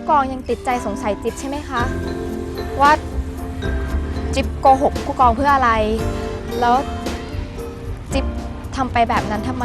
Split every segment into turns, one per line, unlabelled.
กองยังติดใจสงสัยจิ๊บใช่ไหมคะว่าจิ๊บโกหกผู้กองเพื่ออะไรแล้วจิ๊บทำไปแบบนั้นทำไม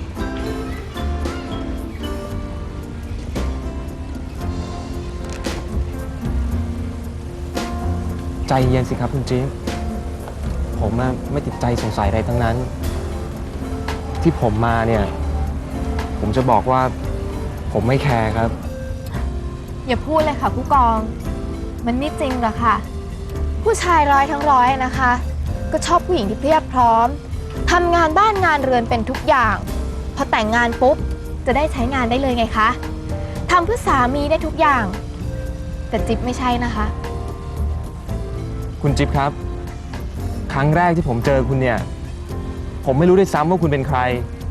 ใจเย็นสิครับคุณจิ๊บผมไม่ติดใจสงสัยอะไรทั้งนั้น ที่ผมมาเนี่ยผมจะบอกว่าผมไม่แคร์ครับ
อย่าพูดเลยค่ะผู้กองมันไม่จริงหรอกค่ะผู้ชายร้อยทั้งร้อยนะคะก็ชอบผู้หญิงที่เพียบพร้อมทำงานบ้านงานเรือนเป็นทุกอย่างพอแต่งงานปุ๊บจะได้ใช้งานได้เลยไงคะทำเพื่อสามีได้ทุกอย่างแต่จิ๊บไม่ใช่นะคะ
คุณจิ๊บครับครั้งแรกที่ผมเจอคุณเนี่ยผมไม่รู้ด้วยซ้ำว่าคุณเป็นใคร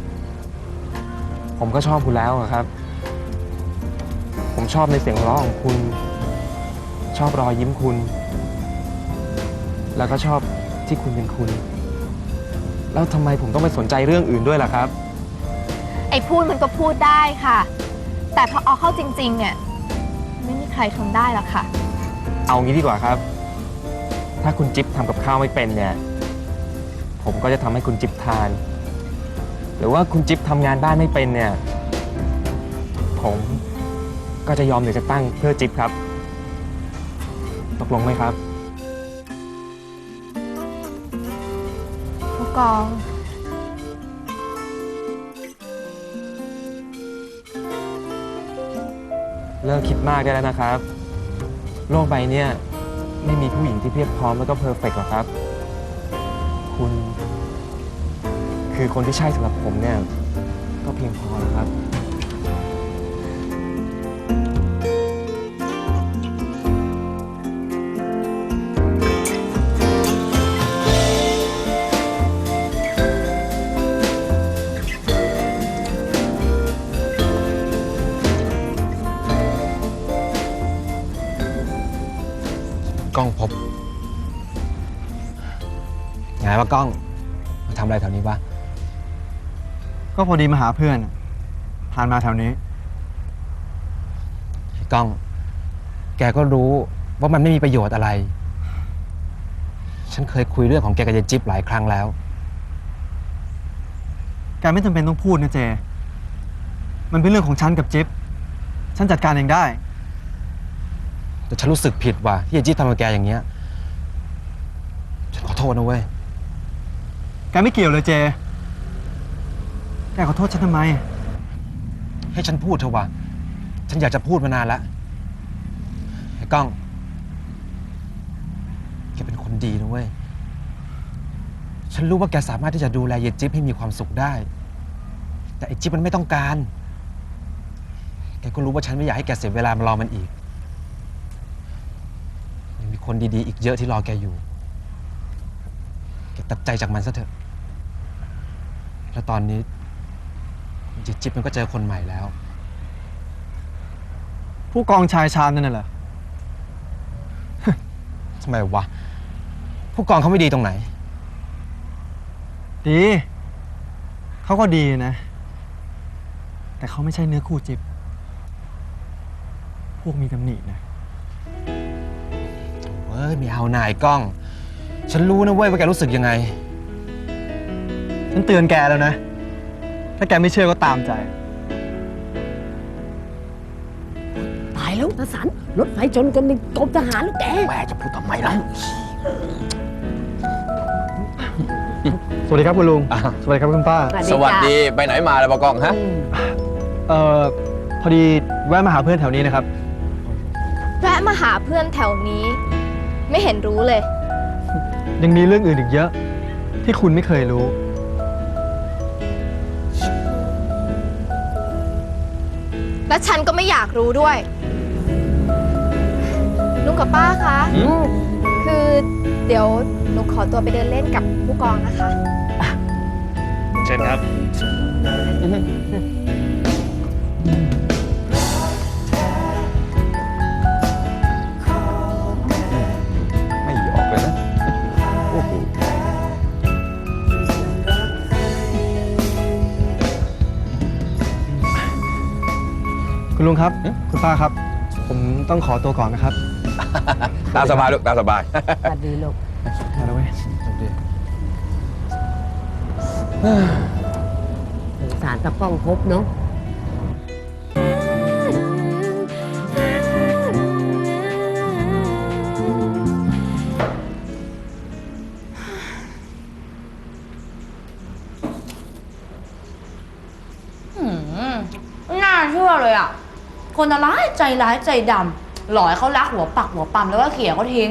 ผมก็ชอบคุณแล้วครับ ผมชอบในเสียงร้องของคุณชอบรอยยิ้มคุณแล้วก็ชอบที่คุณเป็นคุณแล้วทำไมผมต้องไปสนใจเรื่องอื่นด้วยล่ะครับ
ไอ้พูดมันก็พูดได้ค่ะแต่พอเอาเข้าจริงๆเนี่ยไม่มีใครทนได้หรอกค่ะ
เอางี้ดีกว่าครับถ้าคุณจิ๊บทำกับข้าวไม่เป็นเนี่ยผมก็จะทำให้คุณจิ๊บทานหรือว่าคุณจิ๊บทำงานบ้านไม่เป็นเนี่ยผมก็จะยอมเหนือจากตั้งเพื่อจิ๊บครับตกลงไหมครับ
ผู้กอง
เลิกคิดมากได้แล้วนะครับโลกใบนี้ไม่มีผู้หญิงที่เพียบพร้อมแล้วก็เพอร์เฟกต์หรอกครับคุณคือคนที่ใช่สำหรับผมเนี่ยก็เพียงพอแล้วครับ
กล้องพบไงวะกล้องมาทำอะไรแถวนี้วะ
ก็พอดีมาหาเพื่อนผ่านมาแถวนี้
กล้องแกก็รู้ว่ามันไม่มีประโยชน์อะไรฉันเคยคุยเรื่องของแกกับยายจิ๊บหลายครั้งแล้ว
แกไม่จำเป็นต้องพูดนะเจมันเป็นเรื่องของฉันกับจิ๊บฉันจัดการเองได้
แต่ฉันรู้สึกผิดว่ะที่ยายจิ๊บทำกับแกอย่างเงี้ยฉันขอโทษนะเว้ย
แกไม่เกี่ยวเลยเจแกขอโทษฉันทำไม
ให้ฉันพูดเถอะวะฉันอยากจะพูดมานานแล้วไอ้กล้องแกเป็นคนดีนะเว้ยฉันรู้ว่าแกสามารถที่จะดูแลยายจิ๊บให้มีความสุขได้แต่ไอ้จิ๊บมันไม่ต้องการแกก็รู้ว่าฉันไม่อยากให้แกเสียเวลามารอมันอีกยังมีคนดีๆอีกเยอะที่รอแกอยู่แกตัดใจจากมันซะเถอะแล้วตอนนี้ยายจิ๊บมันก็เจอคนใหม่แล้ว
ผู้กองชายชาญนั่นน่ะเหรอ
ทำไมวะผู้กองเขาไม่ดีตรงไหน
ดีเขาก็ดีนะแต่เขาไม่ใช่เนื้อคู่จิ๊บพวกมีตำหนินะ
เว้ยไม่เอานายกล้องฉันรู้นะเว้ยว่าแกรู้สึกยังไง
ฉันเตือนแกแล้วนะถ้าแกไม่เชื่อก็ตามใจ
ตายแล้วนะสันรถไฟชนกันในกรมทหารแล้วแก
แม่จะพูดทำไมล่ะ
สวัสดีครับคุณลุงสวัสดีครับคุณป้า
สวัสดีไปไหนมาแล้วบกองฮะ
พอดีแวะมาหาเพื่อนแถวนี้นะครับ
แวะมาหาเพื่อนแถวนี้ไม่เห็นรู้เลย
ยังมีเรื่องอื่นอีกเยอะที่คุณไม่เคยรู้
และฉันก็ไม่อยากรู้ด้วยลุงกับป้าคะคือเดี๋ยวหนูขอตัวไปเดินเล่นกับผู้กองนะคะ
เชิญครับ
ไม่ออกเลยนะโอ้โห
คุณลุงครับคุณป้าครับผมต้องขอตัวก่อนนะครับ
ตามสบายลูกตามสบาย
สวัสดีลูก
มาแล้วเว้ย
สงสารตะป้องพบเนาะ
น่าเชื่อเลยอ่ะ คนร้ายใจดำหลอยเขารักหัวปักหัวปั๊มแล้วก็เขี่ยเขาทิ้ง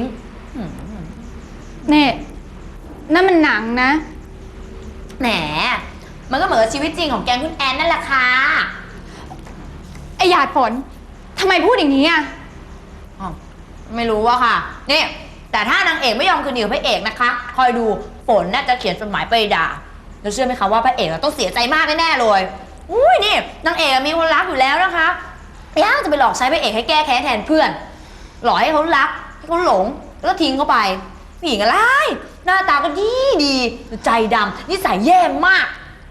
เนี่ยนั่นมันหนังนะ
แหม มันก็เหมือนกับชีวิตจริงของแกงคุณแอนนั่นแหละค่ะ
ไอหยาดฝนทำไมพูดอย่างนี้อ่ะ
อ้าวไม่รู้อะค่ะ นี่ แต่ถ้านางเอกไม่ยอมคืนดีกับพระเอกนะคะ คอยดูฝนน่าจะเขียนจดหมายไปด่า แล้วเชื่อไหมคะว่าพระเอกต้องเสียใจมากแน่ๆเลย อุ้ยนี่นางเอกมีคนรักอยู่แล้วนะคะยังจะไปหลอกใช้พระเอกให้แก้แค้นแทนเพื่อน หลอกให้เขารักให้เขาหลงแล้วก็ทิ้งเขาไปผู้หญิงอะไรหน้าตาก็ดีใจดำนิสัยแย่มาก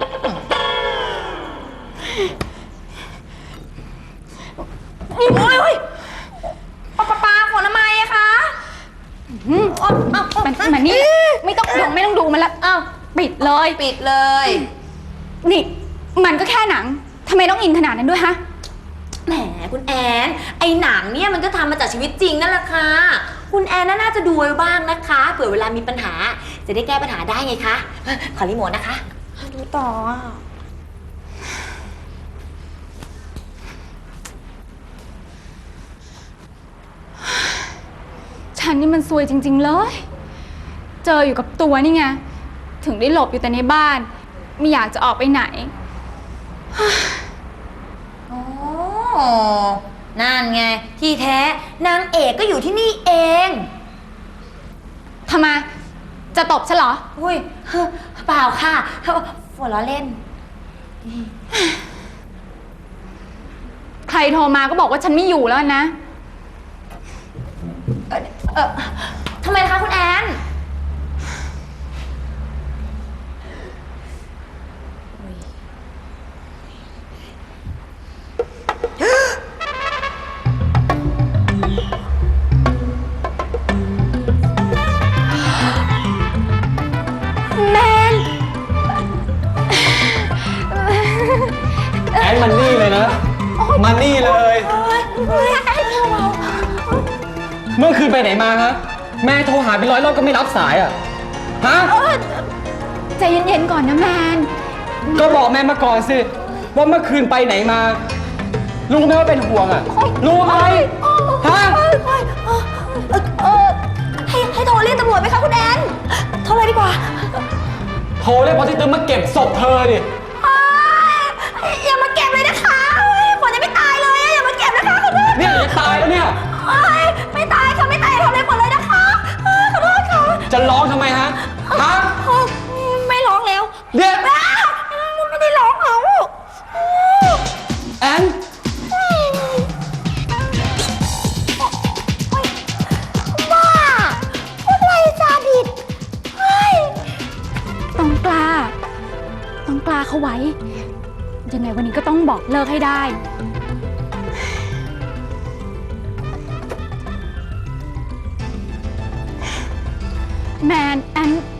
โอ้ยปาฝนทำไมอะคะ
มันนี่ไม่ต้องดูมันละ
อ้าว
ปิดเลย
ปิดเลย
นี่มันก็แค่หนังทำไมต้องอินขนาดนั้นด้วยฮะ
แหมคุณแอนไอหนังเนี่ยมันก็ทำมาจากชีวิตจริงนั่นแหละค่ะคุณแอนน่าจะดูไว้บ้างนะคะเผื่อเวลามีปัญหาจะได้แก้ปัญหาได้ไงคะขอรีโมทนะคะดูต่ออ่ะ
ฉันนี่มันซวยจริงๆเลย เจออยู่กับตัวนี่ไงถึงได้หลบอยู่แต่ในบ้านไม่อยากจะออกไปไหน
อ๋อนั่นไงที่แท้นางเอกก็อยู่ที่นี่เอง
ทำไมจะตบฉันเหรอ
อุ้ยเปล่าค่ะฝนล้อเล่น
ใครโทรมาก็บอกว่าฉันไม่อยู่แล้วนะ
ทำไมคะคุณแอนแมน
แอนมันนี่เลยนะ มันนี่เลย เมื่อคืนไปไหนมาฮะ แม่โทรหาเป็น100 รอบก็ไม่รับสายอ่ะ ฮะ
ใจเย็นๆก่อนนะแมน
ก็บอกแม่มาก่อนสิ ว่าเมื่อคืนไปไหนมา รู้ไหมว่าเป็นห่วงอ่ะ รู้ไหมฮะ
ให้โทรเรียกตำรวจไหมคะคุณแอนโทรเลยดีกว่า
โทรเรียกพอที่ตึงมาเก็บศพเธอดิ
อย่ามาเก็บเลยนะคะฝนยังไม่ตายเลยอย่ามาเก็บนะคะขอโทษ
เนี่ยจะตายแล้วเนี่ย
ไม่ตายค่ะไม่ตายทำอะไรฝนเลยนะคะขอโทษค่ะ
จะร้องทำไมฮะ ฮะ
ไม่ร้องแล้ว
เดี๋ยว
ไม่ได้ร้องเอา
แอน
บ้าอะไรซาดิส
ต้องกล้าเขาไว้ ยังไงวันนี้ก็ต้องบอกเลิกให้ได้ แมนแอน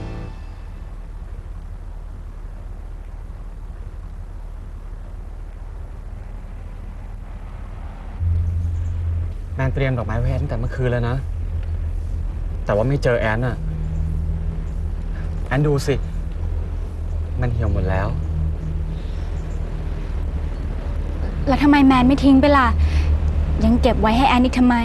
แมนเตรียมดอกไม้ไว้ให้ตั้งแต่เมื่อคืนแล้วนะ แต่ว่าไม่เจอแอนน่ะ แอนดูสิ มันเหี่ยวหมดแล้ว
แล้วทำไมแมนไม่ทิ้งไปล่ะ ยังเก็บไว้ให้แอนอีกทำไม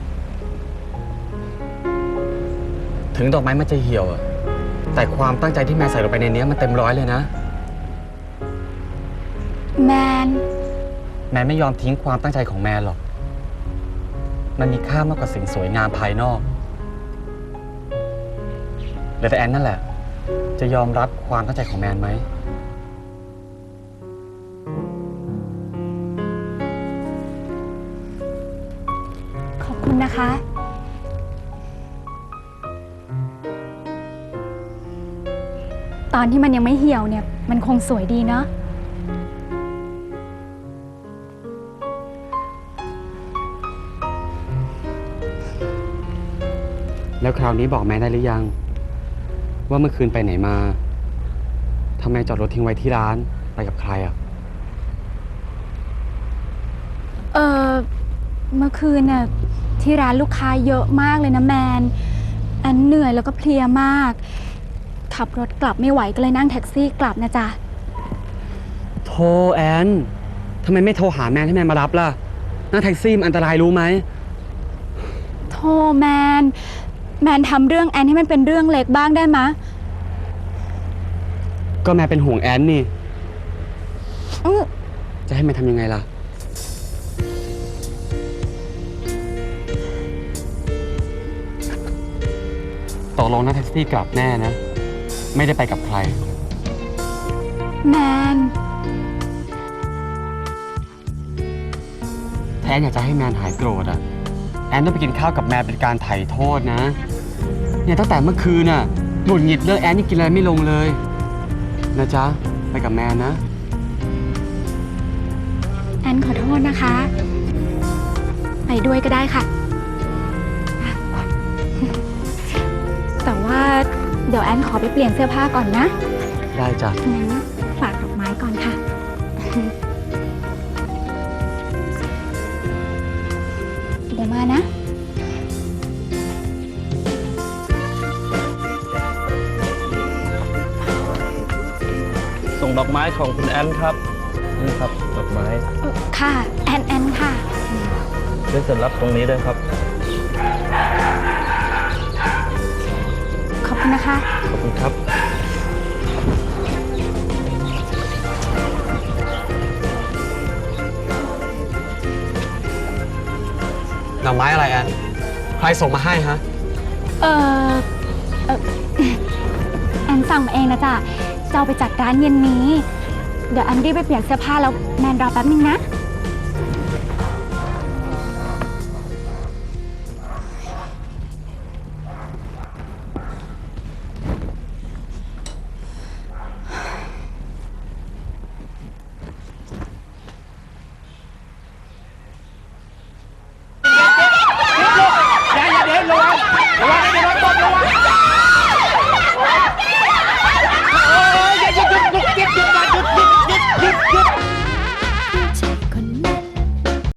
ถึงดอกไม้มันจะเหี่ยวอะแต่ความตั้งใจที่แมนใส่ลงไปในนี้มันเต็มร้อยเลยนะ
แมน
แมนไม่ยอมทิ้งความตั้งใจของแมนหรอก มันมีค่ามากกว่าสิ่งสวยงามภายนอกเหลือแต่แอนนั่นแหละ จะยอมรับความตั้งใจของแมนไหม
ขอบคุณนะคะ ตอนที่มันยังไม่เหี่ยวเนี่ย มันคงสวยดีเนาะ
แล้วคราวนี้บอกแม่ได้หรือยัง ว่าเมื่อคืนไปไหนมาทำไมจอดรถทิ้งไว้ที่ร้านไปกับใครอ่ะ
เมื่อคืนน่ะที่ร้านลูกค้าเยอะมากเลยนะแมน อันเหนื่อยแล้วก็เพลียมาก ขับรถกลับไม่ไหวก็เลยนั่งแท็กซี่กลับนะจ๊ะ
โทรแอนทำไมไม่โทรหาแมนให้แมนมารับล่ะนั่งแท็กซี่มันอันตรายรู้ไหม
โทรแมน แมนทำเรื่องแอนให้มันเป็นเรื่องเล็กบ้างได้มะ
ก็แมนเป็นห่วงแอนนี่
อื้อ
จะให้แมนทำยังไงล่ะ ตกลงนั่งแท็กซี่กลับแน่นะ ไม่ได้ไปกับใคร
แมน
ถ้าแอนอยากจะให้แมนหายโกรธอ่ะ แอนต้องไปกินข้าวกับแมนเป็นการไถ่โทษนะ เนี่ยตั้งแต่เมื่อคืนน่ะหงุดหงิดเรื่องแอนนี่กินอะไรไม่ลงเลย นะจ๊ะ ไปกับแมนนะ
แอนขอโทษนะคะ ไปด้วยก็ได้ค่ะ แต่ว่าเดี๋ยวแอนขอไปเปลี่ยนเสื้อผ้าก่อนนะ
ได้จ้ะ
งั้นฝากดอกไม้ก่อนค่ะ เดี๋ยวมานะ
ส่งดอกไม้ของคุณแอนครับ นี่ครับ ดอกไม้
ค่ะ แอนค่ะ
ได้เสร็จรับตรงนี้ด้วยครับ
ขอบคุณนะคะ
ขอบคุณครับ
ดอกไม้อะไรแอน ใครส่งมาให้ฮะ
เออเอ่อ แอนสั่งมาเองนะจ๊ะจะเอาไปจัดร้านเย็นนี้ เดี๋ยวแอนรีบไปเปลี่ยนเสื้อผ้าแล้วแมนรอแป๊บนึงนะ